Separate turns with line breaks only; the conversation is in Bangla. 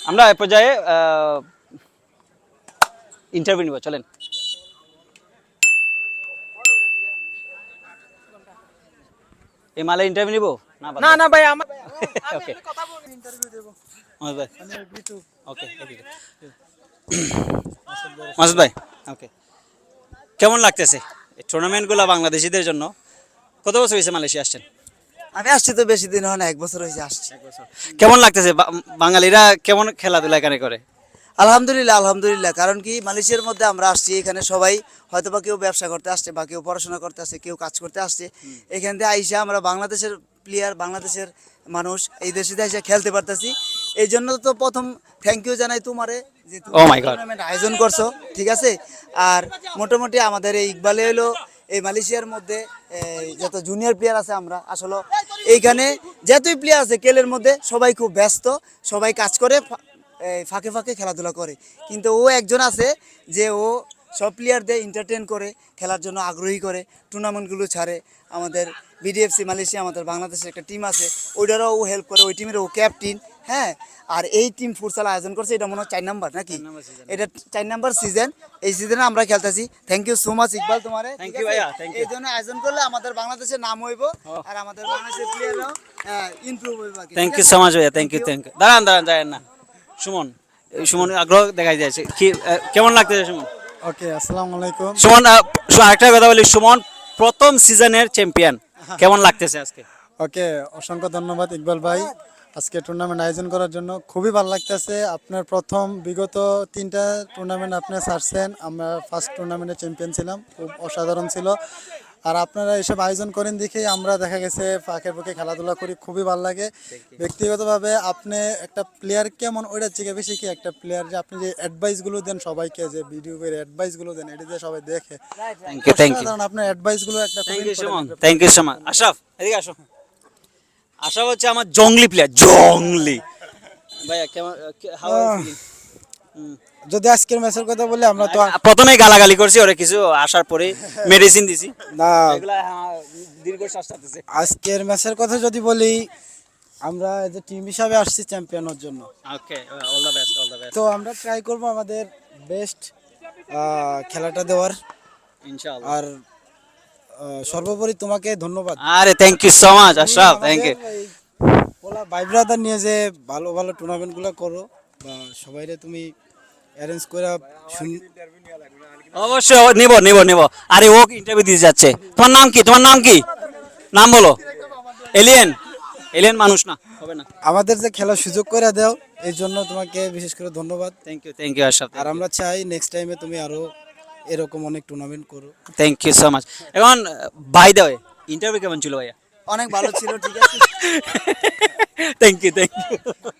আমরা এ পর্যায়ে ইন্টারভিউ নিব, চলেন। এই মালে ইন্টারভিউ নিব
না না ভাই আমার
ওকে
কথা বলবো, ইন্টারভিউ দেব।
মাসুদ ভাই
আমি বিটু।
ওকে মাসুদ ভাই ওকে, কেমন লাগতেছে এই টুর্নামেন্টগুলো বাংলাদেশিদের জন্য? কত বছর হয়েছে মালয়েশিয়া আসছেন?
আমি আসছি তো বেশি দিন হয় না, 1 বছর হয়েছে আসছি।
কেমন লাগতেছে বাঙালিরা কেমন খেলাধুলা এখানে করে?
আলহামদুলিল্লাহ আলহামদুলিল্লাহ, কারণ কি মালয়েশিয়ার মধ্যে আমরা আসছি, এখানে সবাই হয়তো বা কেউ ব্যবসা করতে আসছে বা কেউ পড়াশোনা করতে আসছে, কেউ কাজ করতে আসছে। এখান থেকে আইসা আমরা বাংলাদেশের প্লেয়ার, বাংলাদেশের মানুষ এই দেশে এসে খেলতে পারতেছি। এই জন্য তো প্রথম থ্যাংক ইউ জানাই তোমারে যে তুমি
Oh my God.
টুর্নামেন্ট আয়োজন করছো, ঠিক আছে। আর মোটামুটি আমাদের এই ইকবালে হলো এই মালয়েশিয়ার মধ্যে যত জুনিয়র প্লেয়ার আছে, আমরা আসলে এইখানে যতই প্লেয়ার আছে কেলের মধ্যে সবাই খুব ব্যস্ত, সবাই কাজ করে, ফাঁকে ফাঁকে খেলাধুলা করে। কিন্তু ও একজন আছে যে ও সব প্লেয়ারদের এন্টারটেন করে, খেলার জন্য আগ্রহী করে, টুর্নামেন্টগুলো ছাড়ে। আমাদের বিডিএফসি মালয়েশিয়া, আমাদের বাংলাদেশের একটা টিম আছে, ওইটারও ও হেল্প করে, ওই টিমের ও ক্যাপ্টেন। হ্যাঁ, আর এই টিম ফুটসাল আয়োজন করছে, এটা মনে হয় 4 নাম্বার নাকি, এটা 4 নাম্বার সিজন। এই সিজনে আমরা খেলতেছি। Thank you so much Iqbal তোমারে,
Thank you ভাইয়া, thank you.
এই জন্য আয়োজন করলে আমাদের বাংলাদেশের নাম হইব, আর আমাদের বাংলাদেশের প্লেয়াররাও ইমপ্রুভ হইব।
থ্যাংক ইউ সো মাচ ভাইয়া, থ্যাংক ইউ থ্যাংক ইউ। দাঁড়ান দাঁড়ান দাঁড়ান না, সুমন, এই সুমন আগ্রহ দেখাই যাচ্ছে কি, কেমন লাগতেছে সুমন?
ওকে, আসসালামু আলাইকুম।
সুমন আরেকটা কথা বলি, সুমন প্রথম সিজনের চ্যাম্পিয়ন, কেমন লাগতেছে আজকে?
ওকে, অসংখ্য ধন্যবাদ ইকবাল ভাই আজকে টুর্নামেন্ট আয়োজন করার জন্য। খুবই ভালো লাগতেছে। আপনার প্রথম বিগত 3টা টুর্নামেন্ট আপনি ছাড়ছেন, আমরা ফার্স্ট টুর্নামেন্টে চ্যাম্পিয়ন ছিলাম, খুব অসাধারণ ছিল। আর আপনারা এসব আয়োজন করেন দেখেই আমরা দেখা গেছে ফাঁকে ফাঁকে খেলাধুলা করি, খুবই ভালো লাগে। ব্যক্তিগতভাবে আপনি একটা প্লেয়ার কেমন ওইটার থেকে বেশি কি একটা প্লেয়ার যে আপনি যে অ্যাডভাইসগুলো দেন সবাইকে, যে ভিডিও করে অ্যাডভাইসগুলো দেন, এটা দিয়ে সবাই দেখে।
থ্যাংক ইউ থ্যাংক ইউ
কারণ আপনার অ্যাডভাইসগুলো একটা
thank you Suman, thank you so much. Ashraf এদিকে আসো। আশরাফ হচ্ছে আমার জংলি প্লেয়ার, জংলি। ভাইয়া কেমন, হাউ আর ইউ ফিলিং?
যদি আজকের ম্যাচের কথা বলি, আমরা তো
প্রথমে গালাগালি করছি ওরে, কিছু আসার পরে মেডিসিন দিছি,
না,
এগুলা দীর্ঘ শ্বাস টানতেছে।
আজকের ম্যাচের কথা যদি বলি, আমরা যে টিম হিসাবে আসছি চ্যাম্পিয়ন হওয়ার জন্য।
Okay, all the best, all the best
তো আমরা ট্রাই করব আমাদের বেস্ট খেলাটা দেওয়ার।
ইনশাআল্লাহ।
আর সর্বোপরি তোমাকে ধন্যবাদ।
আরে thank you so much Ashraf, thank you.
ওলা ভাই ব্রাদার নিয়ে যে ভালো ভালো টুর্নামেন্টগুলো করো, বা সবাইরে তুমি অ্যারেঞ্জ করে
অবশ্যই নিব নিব নিব। আরে ও ইন্টারভিউ দিতে যাচ্ছে। তোমার নাম কি, তোমার নাম কি, নাম বলো। এলিয়েন, এলিয়েন মানুষ না, হবে না।
আমাদের যে খেলার সুযোগ করে দাও, এই জন্য তোমাকে বিশেষ করে ধন্যবাদ।
Thank you Ashraf.
আর আমরা চাই নেক্সট টাইমে তুমি আরো এরকম অনেক টুর্নামেন্ট করো।
Thank you so much. এখন বাই দ্য ওয়ে, ইন্টারভিউ কেমন ছিল ভাইয়া?
অনেক ভালো ছিল, ঠিক আছে।
Thank you thank you.